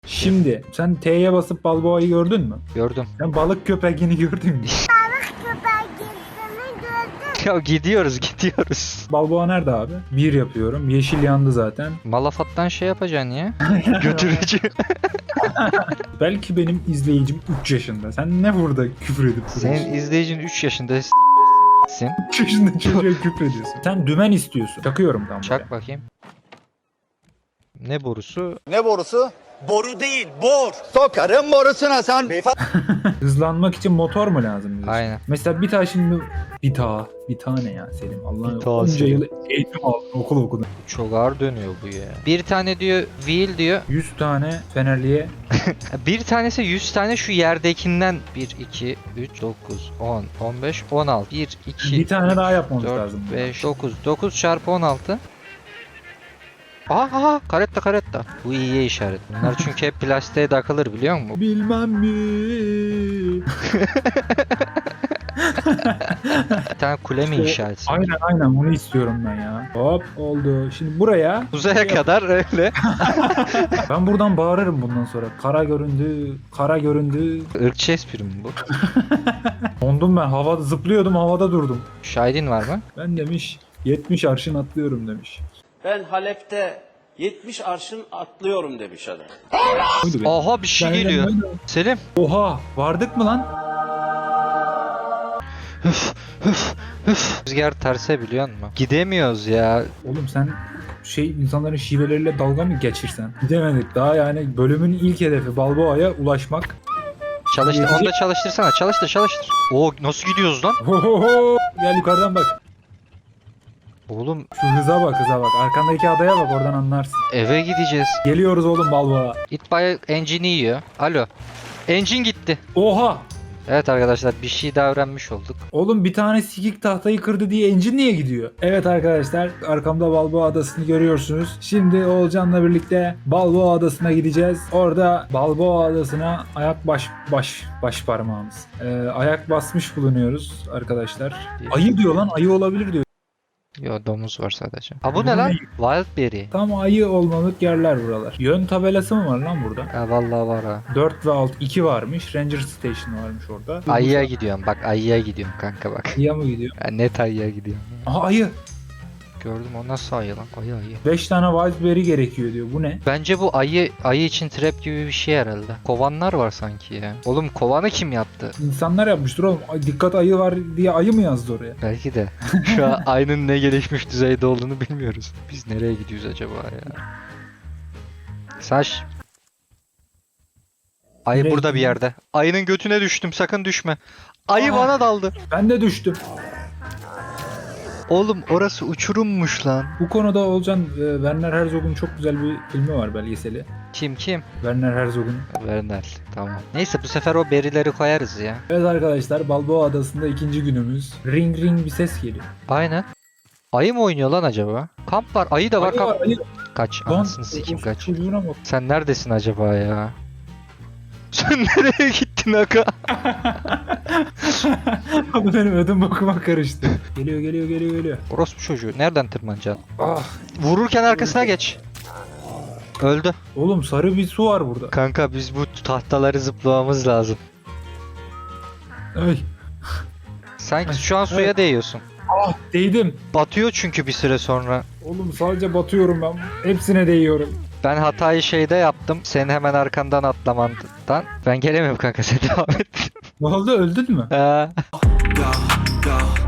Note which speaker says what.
Speaker 1: Şimdi sen T'ye basıp Balboa'yı gördün mü?
Speaker 2: Gördüm.
Speaker 1: Sen balık köpeğini gördün mü?
Speaker 2: Ya gidiyoruz.
Speaker 1: Balboa nerede abi? 1 yapıyorum. Yeşil yandı zaten.
Speaker 2: Malafat'tan şey yapacaksın ya. Götürücü.
Speaker 1: Belki benim izleyicim 3 yaşında. Sen ne burada küfür edip duruyorsun?
Speaker 2: Senin izleyicin 3 yaşında gitsin.
Speaker 1: 3 yaşında çocuğa küfür ediyorsun. Sen dümen istiyorsun. Çakıyorum tam buraya.
Speaker 2: Çak bakayım. Ne borusu?
Speaker 3: Ne borusu? Boru değil, bor. Sokarım borusuna sen.
Speaker 1: Hızlanmak için motor mu lazım bize?
Speaker 2: Aynen.
Speaker 1: Mesela bir tane şimdi bir tane ya Selim. Allah'ım
Speaker 2: Bir tane
Speaker 1: onca
Speaker 2: Selim.
Speaker 1: yıl eğitim aldın, okul okudun.
Speaker 2: Çok ağır dönüyor bu ya. Bir tane diyor wheel diyor.
Speaker 1: 100 tane Fenerli'ye
Speaker 2: Bir tanesi 100 tane şu yerdekinden 1, 2, 3, 9, 10, 15, 16. 1, 2,
Speaker 1: bir tane daha yapmamız
Speaker 2: 4,
Speaker 1: lazım.
Speaker 2: 5, 9. 9 çarpı 16. Aha karetta. Bu iyiye işaret. Bunlar çünkü hep plastiğe takılır biliyor musun?
Speaker 1: Bilmem mi?
Speaker 2: Bir tane kule mi inşa etsin?
Speaker 1: Aynen bunu istiyorum ben ya. Hop oldu. Şimdi buraya
Speaker 2: Uzaya kadar öyle.
Speaker 1: ben buradan bağırırım bundan sonra. Kara göründü.
Speaker 2: Irkçı espri mi bu?
Speaker 1: Dondum ben. Havada zıplıyordum, havada durdum.
Speaker 2: Şahidin var mı?
Speaker 1: Ben demiş 70 arşın atlıyorum demiş.
Speaker 4: Ben Halep'te 70 arşın atlıyorum demiş adam.
Speaker 1: Buydu benim.
Speaker 2: Aha bir şey
Speaker 1: Ben de
Speaker 2: geliyor.
Speaker 1: böyle-
Speaker 2: Selim.
Speaker 1: Oha vardık mı lan?
Speaker 2: Rüzgar terse biliyor musun? Gidemiyoruz ya.
Speaker 1: Oğlum sen insanların şiveleriyle dalga mı geçirsen? Gidemedik daha yani bölümün ilk hedefi Balboa'ya ulaşmak.
Speaker 2: Çalıştır.
Speaker 1: Yetecek-
Speaker 2: Onu da çalıştırsana. Çalıştır. Oo nasıl gidiyoruz lan?
Speaker 1: Hohoho! Gel yukarıdan bak.
Speaker 2: Oğlum
Speaker 1: Şu hıza bak. Arkandaki adaya bak oradan anlarsın.
Speaker 2: eve gideceğiz.
Speaker 1: Geliyoruz oğlum Balboa.
Speaker 2: İtfaiye engine'i yiyor. Alo. Engine gitti.
Speaker 1: Oha!
Speaker 2: Evet arkadaşlar bir şey daha öğrenmiş olduk.
Speaker 1: Oğlum bir tane sikik tahtayı kırdı diye engine niye gidiyor? Evet arkadaşlar arkamda Balboa Adası'nı görüyorsunuz. Şimdi Oğulcan'la birlikte Balboa Adası'na gideceğiz. Orada Balboa Adası'na baş parmağımız. Ayak basmış bulunuyoruz arkadaşlar. Ayı diyor lan ayı olabilir diyor.
Speaker 2: Yo domuz var sadece. Ha bu ne lan? Wildberry.
Speaker 1: Tam ayı olmalık yerler buralar. Yön tabelası mı var lan burada?
Speaker 2: Ha vallahi var ha.
Speaker 1: 4 ve 6 2 varmış. Ranger Station varmış orada.
Speaker 2: Ayıya gidiyorum bak ayıya gidiyorum kanka bak.
Speaker 1: Ayıya mı gidiyor?
Speaker 2: Ya net ayıya gidiyorum.
Speaker 1: Aha ayı.
Speaker 2: Gördüm o nasıl ayı lan? Ayı.
Speaker 1: 5 tane Wildberry gerekiyor diyor. Bu ne?
Speaker 2: Bence bu ayı için trap gibi bir şey herhalde. Kovanlar var sanki ya. Oğlum kovanı kim yaptı?
Speaker 1: İnsanlar yapmıştır oğlum. Ay, dikkat ayı var diye ayı mı yazdı oraya?
Speaker 2: Belki de. Şu an ayının ne gelişmiş düzeyde olduğunu bilmiyoruz. Biz nereye gidiyoruz acaba ya? Saş. Ayı
Speaker 1: Nereye
Speaker 2: burada bir
Speaker 1: gidiyorsun?
Speaker 2: yerde. Ayının götüne düştüm sakın düşme. Ayı
Speaker 1: Aa.
Speaker 2: bana daldı.
Speaker 1: Ben de düştüm.
Speaker 2: Oğlum orası uçurummuş lan.
Speaker 1: Bu konuda Olcan Werner Herzog'un çok güzel bir filmi var belgeseli.
Speaker 2: Kim?
Speaker 1: Werner Herzog'un.
Speaker 2: Vernel. Tamam. Neyse bu sefer o berileri koyarız ya.
Speaker 1: Evet arkadaşlar Balboa Adası'nda ikinci günümüz. Ring ring bir ses geliyor.
Speaker 2: Aynen. Ayı mı oynuyor lan acaba? Kamp var. Ayı da var.
Speaker 1: Ayı
Speaker 2: Kamp.
Speaker 1: var ayı.
Speaker 2: Kaç.
Speaker 1: Lan,
Speaker 2: Anasını sikeyim kaç.
Speaker 1: Çocuğuna bak.
Speaker 2: Sen neredesin acaba ya? Sen nereye gittin aga?
Speaker 1: Abi benim ödüm bakıma karıştı. Geliyor.
Speaker 2: Orospu çocuğu. Nereden tırmanacaksın?
Speaker 1: Ah.
Speaker 2: Vururken arkasına geç. Öldü.
Speaker 1: Oğlum sarı bir su var burada.
Speaker 2: Kanka biz bu tahtaları zıplamamız lazım.
Speaker 1: Ay.
Speaker 2: Sanki şu an suya
Speaker 1: Evet.
Speaker 2: değiyorsun.
Speaker 1: Ah değdim.
Speaker 2: Batıyor çünkü bir süre sonra.
Speaker 1: Oğlum sadece batıyorum ben. Hepsine değiyorum.
Speaker 2: Ben hatayı şeyde yaptım. Senin hemen arkandan atlamandan. Ben gelemiyorum kanka sen devam et.
Speaker 1: Ne oldu öldün mü?
Speaker 2: Ha.
Speaker 5: Go,